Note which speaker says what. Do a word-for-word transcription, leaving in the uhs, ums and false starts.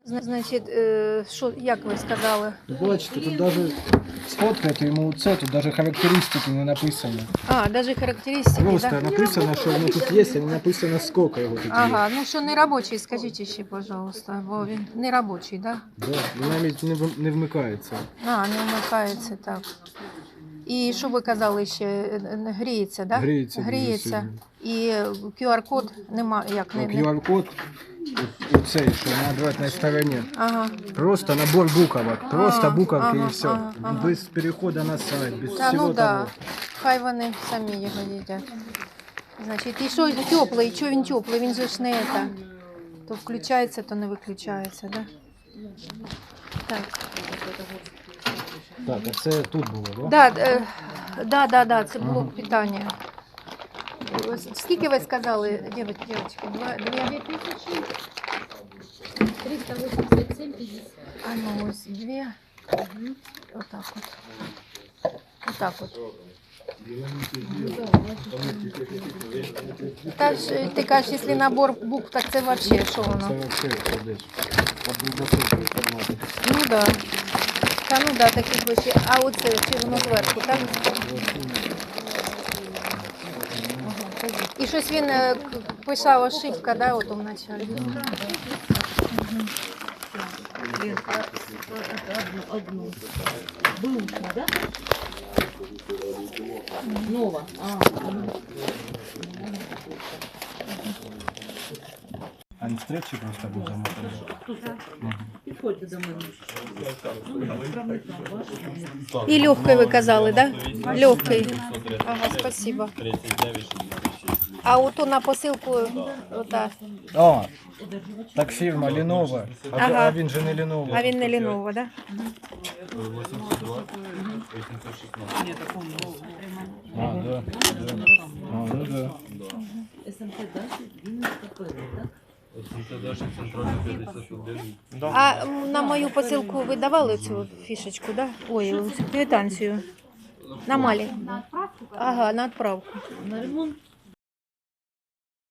Speaker 1: Значить, е, що, як ви сказали?
Speaker 2: Бачите, тут навіть сфоткайте йому це, тут навіть характеристики не написано.
Speaker 1: А, навіть характеристики,
Speaker 2: Просто
Speaker 1: да?
Speaker 2: написано, що воно тут є, а не написано, скільки його тут є.
Speaker 1: Ага, ну що не робочий, скажіть ще, пожалуйста, бо він не робочий, да?
Speaker 2: Да, і навіть не, в- не вмикається.
Speaker 1: А, не вмикається, так. І що ви казали ще, е, е, гріється, да?
Speaker 2: Гріється дуже
Speaker 1: Гріється.
Speaker 2: сильно.
Speaker 1: І ку ар код нема, як, не,
Speaker 2: Так,
Speaker 1: не...
Speaker 2: ю ар код, оцей, що на обратній стороні.
Speaker 1: Ага.
Speaker 2: Просто набор буквок, просто
Speaker 1: А,
Speaker 2: буковки
Speaker 1: ага,
Speaker 2: і все.
Speaker 1: ага, ага.
Speaker 2: Без переходу на сайт, без
Speaker 1: Та,
Speaker 2: всього
Speaker 1: ну да,
Speaker 2: того.
Speaker 1: хай вони самі його їдять. Значить, і що теплий, що він теплий, він же ж не це. То включається, то не виключається, да? Так.
Speaker 2: Так, а це тут було, так?
Speaker 1: Да, е, да, да, да, це блок питання. Скільки ви сказали, дівчатки, дівчатки? Два, дві тисячі?
Speaker 3: триста восемьдесят семь пятьдесят.
Speaker 1: А ну ось дві. Отак от. Отак от. Та ж, ти кажеш, якщо набор букв, так це взагалі, що
Speaker 2: Це
Speaker 1: воно?
Speaker 2: взагалі десь. Под високою форматом.
Speaker 1: Ну да. Та ну да, таких вещей. А оце, чи воно зверху, так? І щось він е, к- писав ошибка, да, от у началі.
Speaker 3: Одну. Бэушная, да? Нова. А,
Speaker 2: А не стрічі просто буде замотати.
Speaker 3: приходите домой.
Speaker 1: І легкий ви казали, да? Легкий. Ага, спасибо. А оту на посилку, ота.
Speaker 2: О, так фірма Lenovo, а,
Speaker 1: Ага.
Speaker 2: а він же не Lenovo.
Speaker 1: А він не Lenovo, да?
Speaker 2: А, да, да. А, ну да.
Speaker 3: СМТ дальше, Вінницька перед, так?
Speaker 1: А м, на мою посилку ви давали цю фішечку, да? Ой, цю квитанцію. На малі. Ага, на відправку.
Speaker 3: На ремонт